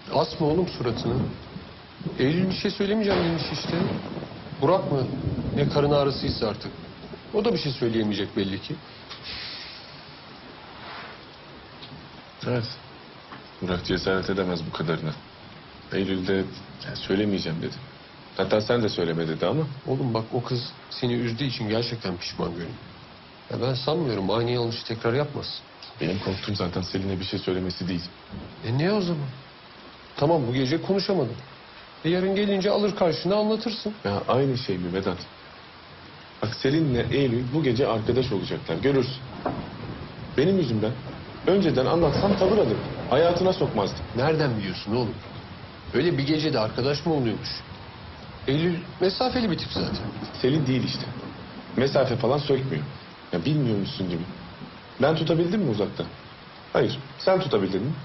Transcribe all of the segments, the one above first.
Asma oğlum suratını. Eylül bir şey söylemeyeceğim demiş işte. Burak mı? Ne karın ağrısıysa artık. O da bir şey söyleyemeyecek belli ki. Evet. Burak cesaret edemez bu kadarına. Eylül'de söylemeyeceğim dedi. Hatta sen de söyleme dedi ama. Oğlum bak o kız seni üzdüğü için gerçekten pişman görünüyor. Ya ben sanmıyorum aynı yanlışı tekrar yapmasın. Benim korktuğum zaten Selin'e bir şey söylemesi değil. Ne o zaman? Tamam bu gece konuşamadın. Yarın gelince alır karşına anlatırsın. Ya aynı şey mi Vedat? Bak Selin'le Eylül bu gece arkadaş olacaklar. Görürsün. Benim yüzümden. Önceden anlatsam tavır alır. Hayatına sokmazdım. Nereden biliyorsun oğlum? Öyle bir gecede arkadaş mı oluyormuş? Eylül mesafeli bir tip zaten. Selin değil işte. Mesafe falan sökmüyor. Ya bilmiyormuşsun gibi. Ben tutabildim mi uzakta? Hayır. Sen tutabildin mi?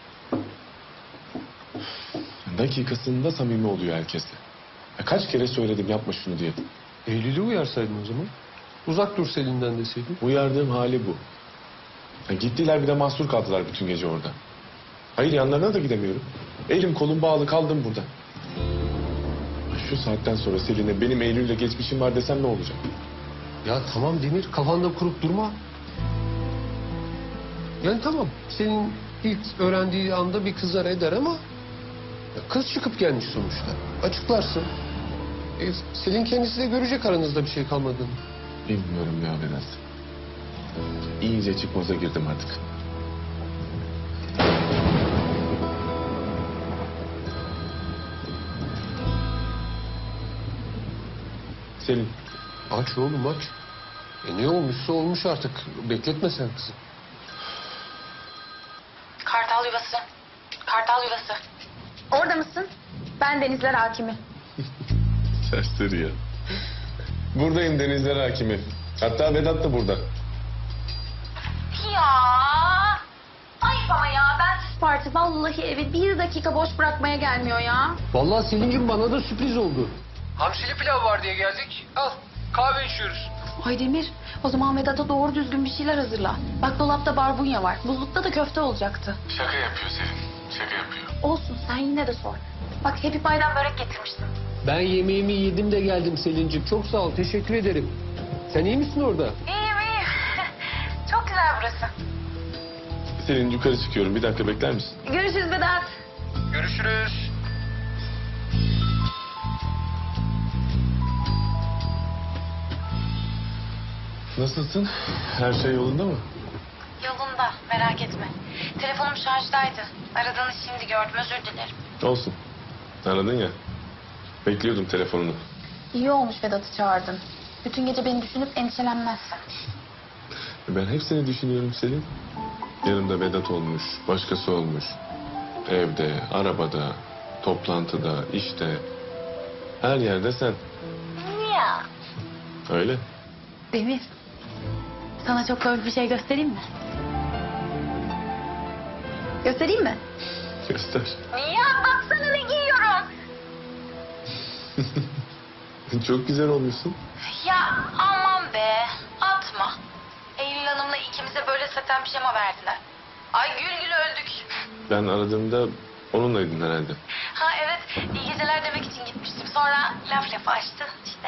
Dakikasında samimi oluyor herkesle. Ya kaç kere söyledim yapma şunu diye. Eylül'ü uyarsaydın o zaman. Uzak dur Selin'den deseydin. Uyardığım hali bu. Ya gittiler bir de mahsur kaldılar bütün gece orada. Hayır yanlarına da gidemiyorum. Elim kolum bağlı kaldım burada. Şu saatten sonra Selin'e benim Eylül'le geçmişim var desem ne olacak? Ya tamam Demir kafanda kurup durma. Yani tamam senin ilk öğrendiği anda bir kızar eder ama... ya kız çıkıp gelmiş sonuçta. Açıklarsın. Selin kendisi de görecek aranızda bir şey kalmadığını. Bilmiyorum ya Vedat. İyice çıkmaza girdim artık. Selin. Aç oğlum aç. Ne olmuşsa olmuş artık. Bekletme sen kızı. Kartal yuvası. Kartal yuvası. Orada mısın? Ben Denizler Hakimi. Serseri ya. Buradayım Denizler Hakimi. Hatta Vedat da burada. Ya. Ayıp ama ya. Ben parti vallahi evi bir dakika boş bırakmaya gelmiyor ya. Vallahi Selin'cim bana da sürpriz oldu. Hamsili pilav var diye geldik. Al kahve içiyoruz. Ay Demir, o zaman Vedat'a doğru düzgün bir şeyler hazırla. Bak dolapta barbunya var. Buzlukta da köfte olacaktı. Şaka yapıyor Selin. Şaka yapıyor. Olsun sen yine de sor. Bak Happy Pie'den börek getirmiştim. Ben yemeğimi yedim de geldim Selin'cim. Çok sağ ol teşekkür ederim. Sen iyi misin orada? İyiyim iyiyim. Çok güzel burası. Selin yukarı çıkıyorum. Bir dakika bekler misin? Görüşürüz Vedat. Görüşürüz. Nasılsın? Her şey yolunda mı? Yolunda merak etme. Telefonum şarjdaydı. Aradığını şimdi gördüm özür dilerim. Olsun. Aradın ya. Bekliyordum telefonunu. İyi olmuş Vedat'ı çağırdın. Bütün gece beni düşünüp endişelenmezsin. Ben hep seni düşünüyorum Selin. Yanımda Vedat olmuş, başkası olmuş. Evde, arabada, toplantıda, işte. Her yerde sen. Ya. Öyle. Demir. Sana çok komik bir şey göstereyim mi? Göstereyim mi? Göster. Ya baksana ne giyiyorum. Çok güzel olmuşsun. Ya aman be atma. Eylül Hanım'la ikimize böyle saten pijama verdiler. Ay gül gül öldük. Ben aradığımda onunlaydın herhalde. Ha evet iyi geceler demek için gitmiştim. Sonra laf lafı açtı işte.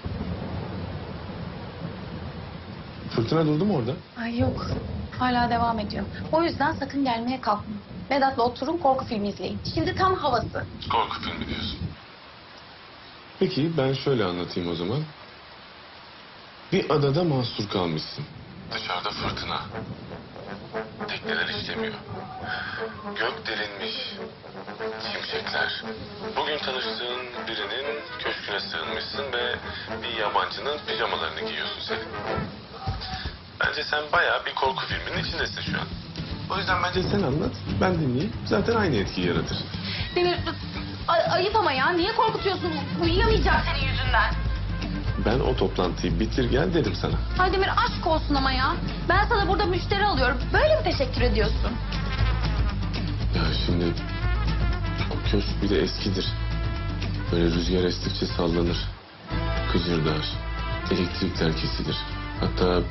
Fırtına durdu mu orada? Ay yok hala devam ediyor. O yüzden sakın gelmeye kalkma. Vedat'la oturun korku filmi izleyin. Şimdi tam havası. Korku filmi diyorsun. Peki ben şöyle anlatayım o zaman. Bir adada mahsur kalmışsın. Dışarıda fırtına. Tekneler işlemiyor. Gök delinmiş. Şimşekler. Bugün tanıştığın birinin köşküne sığınmışsın ve bir yabancının pijamalarını giyiyorsun senin. Bence sen bayağı bir korku filminin içindesin şu an. O yüzden bence sen anlat, ben dinleyeyim. Zaten aynı etkiyi yaratır. Demir ayıp ama ya niye korkutuyorsun? Uyuyamayacağım senin yüzünden. Ben o toplantıyı bitir gel dedim sana. Ay Demir aşk olsun ama ya. Ben sana burada müşteri alıyorum. Böyle mi teşekkür ediyorsun? Ya şimdi o köşk bir de eskidir. Böyle rüzgar estikçe sallanır. Kıcırdar. Elektrikler kesilir. Hatta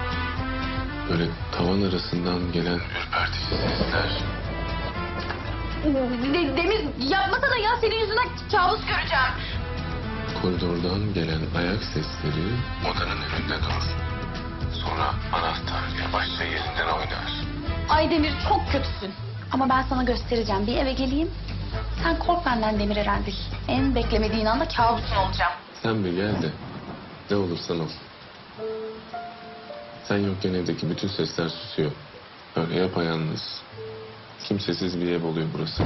böyle tavan arasından gelen ürpertici sesler. Demir yapmasana ya, senin yüzünden kabus göreceğim. Koridordan gelen ayak sesleri odanın önünde durur. Sonra anahtar yavaşça yerinden oynar. Ay Demir, çok kötüsün. Ama ben sana göstereceğim. Bir eve geleyim. Sen kork benden Demir Erendil. En beklemediğin anda kabusun olacağım. Sen bir gel de ne olursan ol. Sen yokken evdeki bütün sesler susuyor. Böyle yapayalnız, kimsesiz bir ev oluyor burası.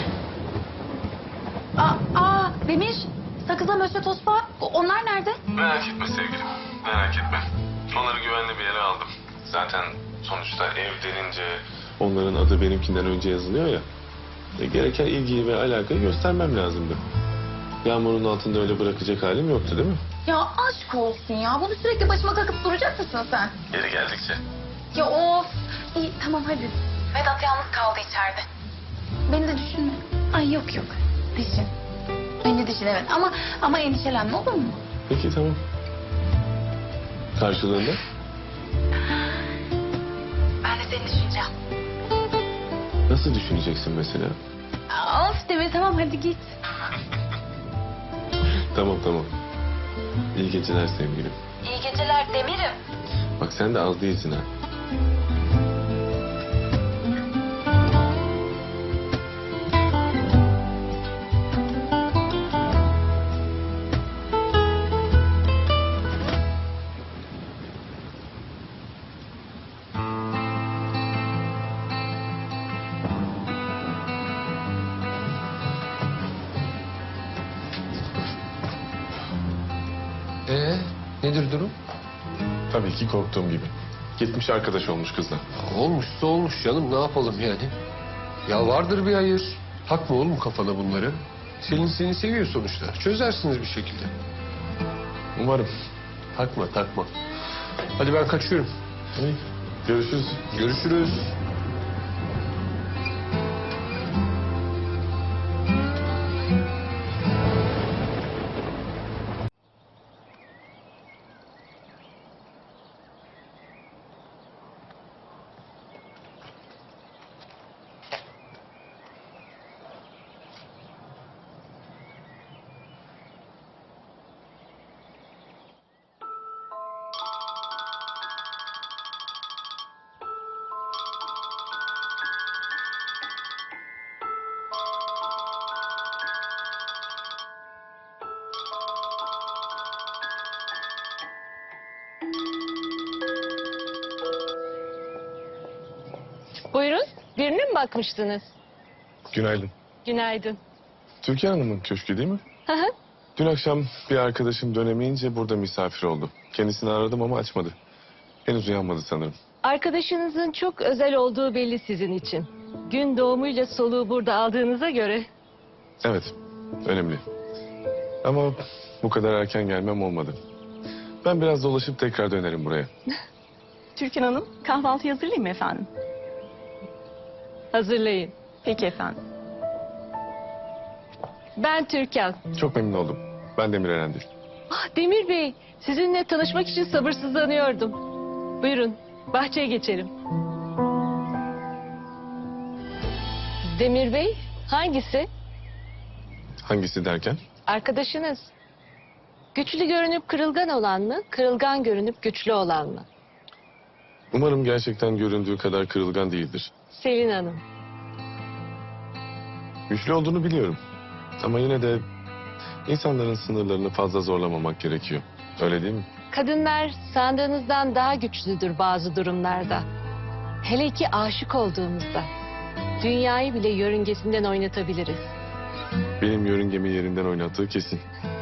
Demir, sakızla Mösyö Tospa, onlar nerede? Merak etme sevgilim, merak etme. Onları güvenli bir yere aldım. Zaten sonuçta ev denince onların adı benimkinden önce yazılıyor ya. Gereken ilgiyi ve alakayı göstermem lazımdı. Yağmurun altında öyle bırakacak halim yoktu değil mi? Ya aşk olsun ya. Bunu sürekli başıma kakıp duracak mısın sen? Geri geldikçe. Ya of. İyi tamam hadi. Vedat yalnız kaldı içeride. Beni de düşünme. Ay yok. Düşün. Beni düşün evet. Ama endişelenme, olur mu? Peki tamam. Karşılığında? Ben de seni düşüneceğim. Nasıl düşüneceksin mesela? Of Demir, tamam hadi git. Tamam. İyi geceler sevgilim. İyi geceler Demir'im. Bak sen de az değilsin ha. Nedir durum? Tabii ki korktuğum gibi. Gitmiş arkadaş olmuş kızla. Olmuşsa olmuş canım, ne yapalım yani? Ya vardır bir hayır. Takma oğlum kafana bunları. Selin seni seviyor sonuçta. Çözersiniz bir şekilde. Umarım. Takma. Hadi ben kaçıyorum. İyi. Görüşürüz. Görüşürüz. Buyurun, birine mi bakmıştınız? Günaydın. Günaydın. Türkan Hanım'ın köşkü değil mi? Hı hı. Dün akşam bir arkadaşım dönemeyince burada misafir oldu. Kendisini aradım ama açmadı. Henüz uyanmadı sanırım. Arkadaşınızın çok özel olduğu belli sizin için. Gün doğumuyla soluğu burada aldığınıza göre. Evet, önemli. Ama bu kadar erken gelmem olmadı. Ben biraz dolaşıp tekrar dönerim buraya. Türkan Hanım, kahvaltı hazırlayayım mı efendim? Hazırlayın. Peki efendim. Ben Türkan. Çok memnun oldum. Ben Demir Erendil. Demir Bey, sizinle tanışmak için sabırsızlanıyordum. Buyurun, bahçeye geçelim. Demir Bey, hangisi? Hangisi derken? Arkadaşınız. Güçlü görünüp kırılgan olan mı, kırılgan görünüp güçlü olan mı? Umarım gerçekten göründüğü kadar kırılgan değildir. Selin Hanım. Güçlü olduğunu biliyorum. Ama yine de insanların sınırlarını fazla zorlamamak gerekiyor. Öyle değil mi? Kadınlar sandığınızdan daha güçlüdür bazı durumlarda. Hele ki aşık olduğumuzda. Dünyayı bile yörüngesinden oynatabiliriz. Benim yörüngemi yerinden oynattığı kesin.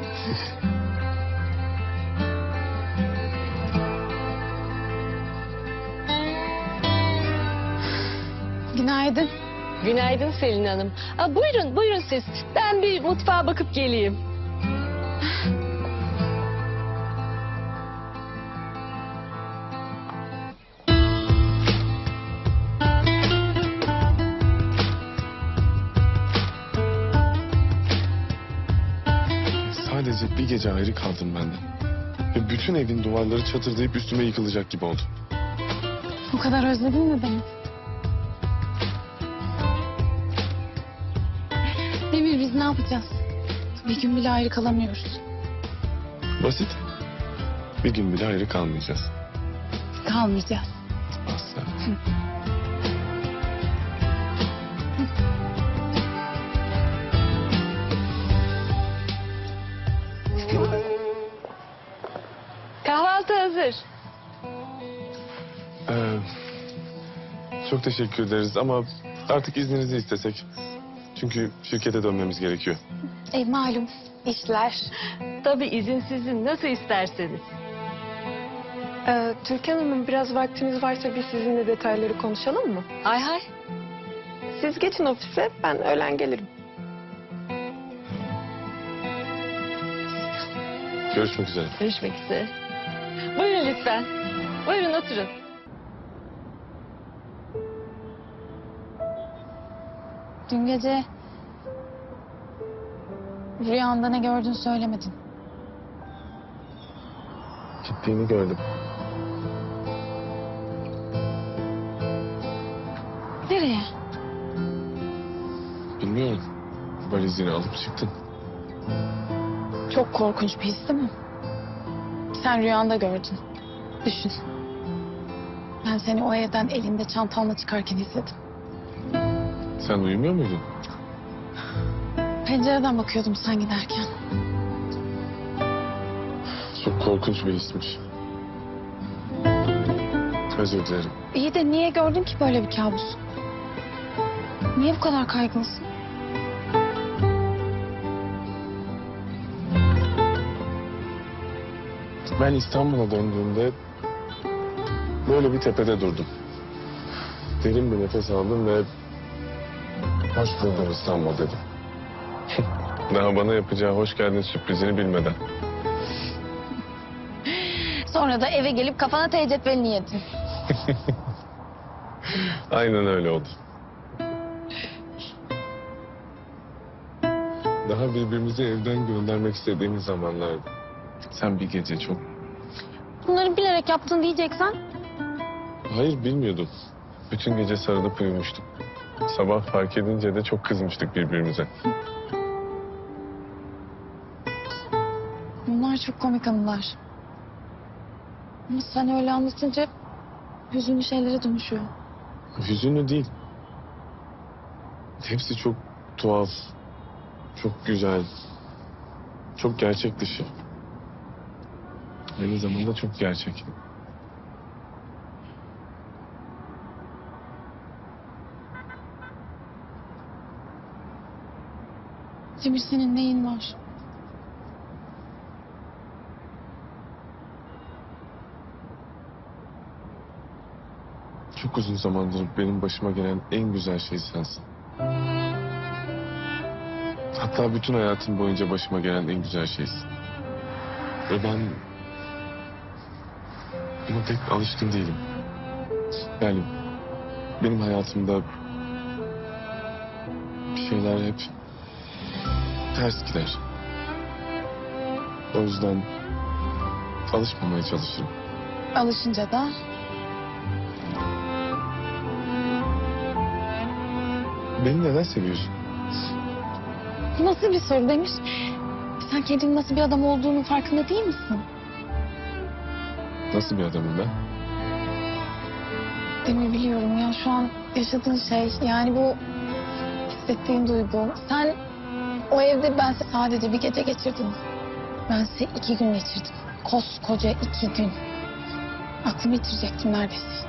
Günaydın. Günaydın Selin Hanım. Buyurun siz. Ben bir mutfağa bakıp geleyim. Sadece bir gece ayrı kaldım benden. Ve bütün evin duvarları çatırdayıp üstüme yıkılacak gibi oldu. Bu kadar özledin mi beni? Biz ne yapacağız? Bir gün bile ayrı kalamıyoruz. Basit. Bir gün bile ayrı kalmayacağız. Kalmayacağız. Asla. Kahvaltı hazır. Çok teşekkür ederiz ama artık izninizi istesek. Çünkü şirkete dönmemiz gerekiyor. Malum işler. Tabii izin sizin, nasıl isterseniz. Türkan Hanım biraz vaktiniz varsa biz sizinle detayları konuşalım mı? Hay hay. Siz geçin ofise, ben öğlen gelirim. Görüşmek üzere. Görüşmek üzere. Buyurun lütfen. Buyurun oturun. Dün gece rüyanda ne gördün söylemedin. Gittiğini gördüm. Nereye? Bilmiyorum. Valizini alıp çıktın. Çok korkunç bir his değil mi? Sen rüyanda gördün. Düşün. Ben seni o evden elinde çantanla çıkarken izledim. Sen uyumuyor muydun? Pencereden bakıyordum sen giderken. Çok korkunç bir hismiş. Özür dilerim. İyi de niye gördün ki böyle bir kabus? Niye bu kadar kaygılısın? Ben İstanbul'a döndüğümde böyle bir tepede durdum. Derin bir nefes aldım ve hoş buldum İstanbul dedim. Daha bana yapacağı hoş geldin sürprizini bilmeden. Sonra da eve gelip kafana teyzetvelini yedin. Aynen öyle oldu. Daha birbirimizi evden göndermek istediğimiz zamanlardı. Sen bir gece çok... Bunları bilerek yaptın diyeceksen. Hayır bilmiyordum. Bütün gece sarılıp uyumuştuk. Sabah fark edince de çok kızmıştık birbirimize. Bunlar çok komik anılar. Ama sen öyle anlatınca hüzünlü şeylere dönüşüyor. Hüzünlü değil. Hepsi çok tuhaf, çok güzel, çok gerçek dışı. Aynı zamanda çok gerçek. Demir senin neyin var? Çok uzun zamandır benim başıma gelen en güzel şey sensin. Hatta bütün hayatım boyunca başıma gelen en güzel şeysin. Ve ben buna pek alışkın değilim. Yani benim hayatımda bir şeyler hep ters gider. O yüzden alışmamaya çalışırım. Alışınca da Beni neden seviyorsun? nasıl bir soru Demir? Sen kendinin nasıl bir adam olduğunun farkında değil misin? Nasıl bir adamım ben? Demir biliyorum ya şu an yaşadığın şey yani bu hissettiğin duygu. Sen o evde ben sadece bir gece geçirdim. Ben 2 gün geçirdim. Koskoca 2 gün. Aklımı yitirecektim neredeyse.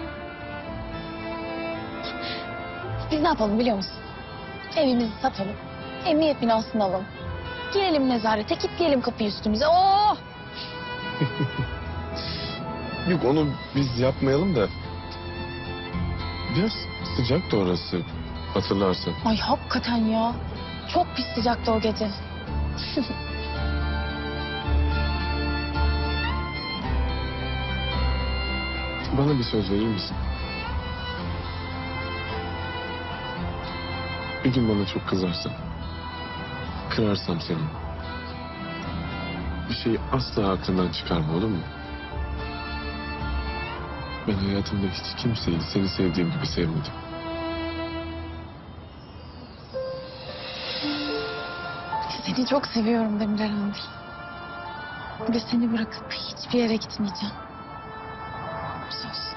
Biz ne yapalım biliyor musun? Evimizi satalım. Emniyet binasını alalım. Girelim nezarete, kilitleyelim kapıyı üstümüze. Oh! Yok onu biz yapmayalım da. Biraz sıcaktı orası. Hatırlarsın. Ay hakikaten ya. Çok pis sıcaktı o gece. Bana bir söz verir misin? Bir gün bana çok kızarsan, kırarsam seni. Bir şeyi asla aklından çıkarma olur mu? Ben hayatımda hiç kimseyi seni sevdiğim gibi sevmedim. Seni çok seviyorum Demirel'im. Ve seni bırakıp hiçbir yere gitmeyeceğim. Söz.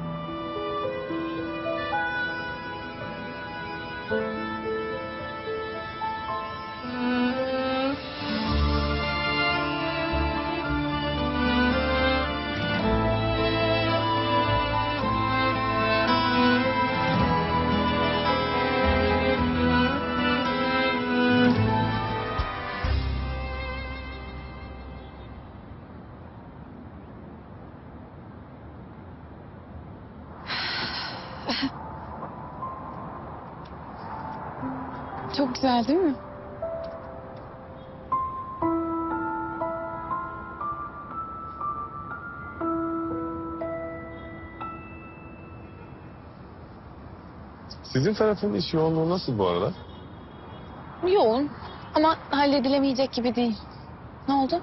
Çok güzel değil mi? Sizin tarafın iş yoğunluğu nasıl bu arada? Yoğun ama halledilemeyecek gibi değil. Ne oldu?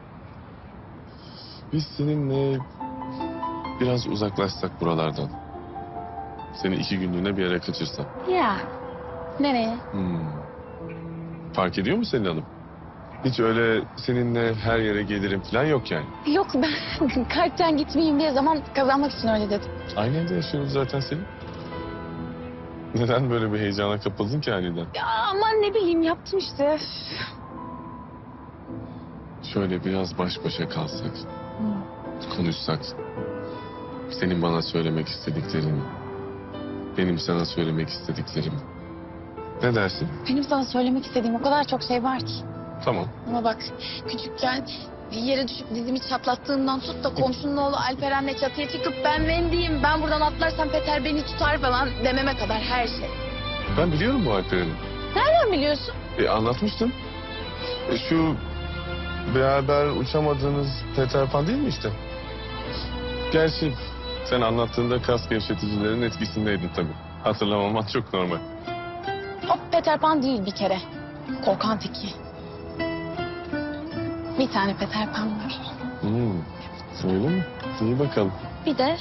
Biz seninle biraz uzaklaşsak buralardan. Seni 2 günlüğüne bir yere kaçırsam. Ya. Nereye? Fark ediyor mu Selin Hanım? Hiç öyle seninle her yere gelirim falan yok yani. Yok ben kalpten gitmeyeyim diye zaman kazanmak için öyle dedim. Aynı evde yaşıyoruz zaten Selin. Neden böyle bir heyecana kapıldın ki aniden? Ya aman ne bileyim yaptım işte. Şöyle biraz baş başa kalsak, konuşsak. Senin bana söylemek istediklerini, benim sana söylemek istediklerimi. Ne dersin? Benim sana söylemek istediğim o kadar çok şey var ki. Tamam. Ama bak küçükken yere düşüp dizimi çatlattığımdan tut da komşunun oğlu Alperen'le çatıya çıkıp ben Wendy'yim, ben buradan atlarsam Peter beni tutar falan dememe kadar her şey. Ben biliyorum bu Alperen'i. Nereden biliyorsun? Anlatmıştım. Şu beraber uçamadığınız Peter Pan değil mi işte? Gerçi sen anlattığında kas gevşeticilerin etkisindeydin tabii. Hatırlamaman çok normal. O Peter Pan değil bir kere. Korkan teki. Bir tane Peter Pan var. Öyle mi? İyi bakalım. Bir de...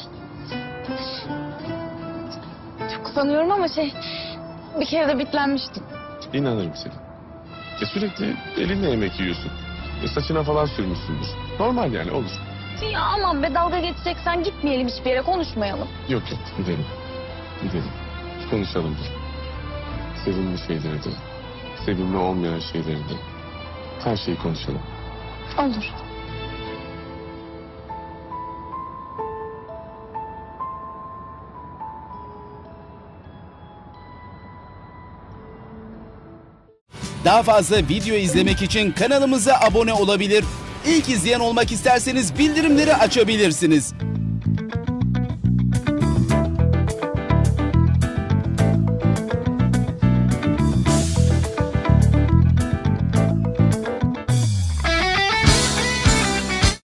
Çok utanıyorum ama bir kere de bitlenmiştim. İnanırım seni. Sürekli elinle yemek yiyorsun. Saçına falan sürmüşsündür. Normal yani olur. Ya aman be dalga geçeceksen gitmeyelim hiçbir yere konuşmayalım. Yok gidelim. Gidelim. Konuşalım da. Sevimli şeyleri de. Sevimli olmayan şeyleri de. Her şeyi konuşalım. Olur. Daha fazla video izlemek için kanalımıza abone olabilir. İlk izleyen olmak isterseniz bildirimleri açabilirsiniz.